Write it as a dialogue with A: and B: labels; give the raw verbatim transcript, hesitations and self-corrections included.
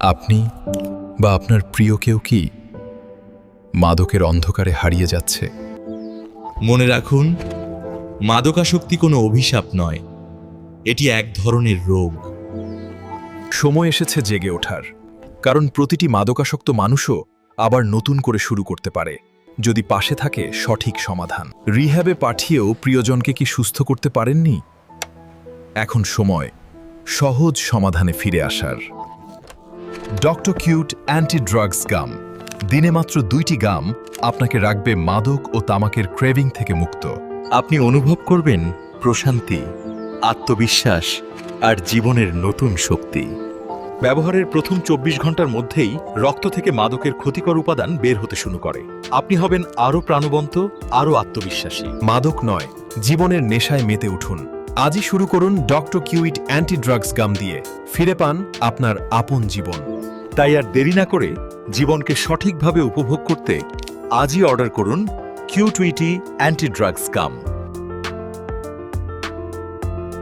A: আপনি বা আপনার প্রিয় কেউ কি মাদকের অন্ধকারে হারিয়ে যাচ্ছে?
B: মনে রাখুন, মাদকাসক্তি কোনো অভিশাপ নয়, এটি এক ধরনের রোগ।
A: সময় এসেছে জেগে ওঠার, কারণ প্রতিটি মাদকাসক্ত মানুষও আবার নতুন করে শুরু করতে পারে যদি পাশে থাকে সঠিক সমাধান। রিহ্যাবে পাঠিয়েও প্রিয়জনকে কি সুস্থ করতে পারেননি? এখন সময় সহজ সমাধানে ফিরে আসার। Doctor quit anti drugs gum. দিনে মাত্র দুইটি গাম আপনাকে রাখবে মাদক ও তামাকের ক্রেভিং থেকে মুক্ত।
B: আপনি অনুভব করবেন প্রশান্তি, আত্মবিশ্বাস আর জীবনের নতুন শক্তি।
C: ব্যবহারের প্রথম চব্বিশ ঘন্টার মধ্যেই রক্ত থেকে মাদকের ক্ষতিকর উপাদান বের হতে শুরু করে। আপনি হবেন আরও প্রাণবন্ত, আরও আত্মবিশ্বাসী।
A: মাদক নয়, জীবনের নেশায় মেতে উঠুন। আজই শুরু করুন doctor quit anti drugs gum দিয়ে। ফিরে পান আপনার আপন জীবন।
C: তাই আর দেরি না করে জীবনকে সঠিকভাবে উপভোগ করতে আজই অর্ডার করুন কিউটুইটি অ্যান্টি ড্রাগস গাম।